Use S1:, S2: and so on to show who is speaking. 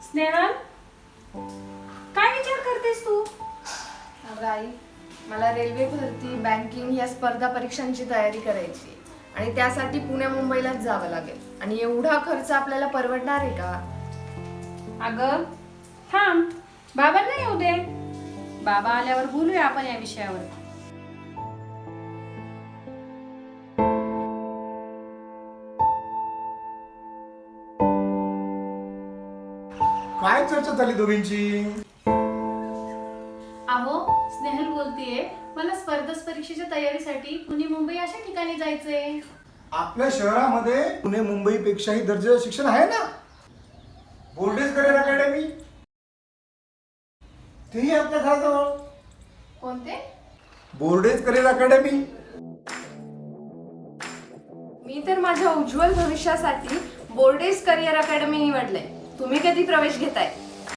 S1: स्नेहल, काय विचार करतेस तू?
S2: अगं आई, मला रेल्वे भरती, बँकिंग या स्पर्धा परीक्षांची तयारी करायची आणि त्यासाठी पुणे मुंबईलाच जावं लागेल आणि एवढा खर्च आपल्याला परवडणार आहे का?
S1: अगं थांब, बाबांना येऊ दे. बाबा आल्यावर बोलूया आपण या विषयावर.
S3: काय चर्चा झाली दोघींची?
S1: अहो, स्नेहल बोलतीये, मला स्पर्धा परीक्षेच्या तयारीसाठी पुणे मुंबई अशा ठिकाणी जायचंय.
S3: आपल्या शहरामध्ये पुणे मुंबई पेक्षाही दर्जाचं शिक्षण आहे ना. बोर्डेज करिअर अकॅडमी, तेही आपल्या घराजवळ.
S2: कोणते?
S3: बोर्डेज करिअर अकॅडमी.
S2: मी तर माझ्या उज्ज्वल भविष्यासाठी बोर्डेज करिअर अकॅडमी निवडलंय. तुम्ही कधी प्रवेश घेताय?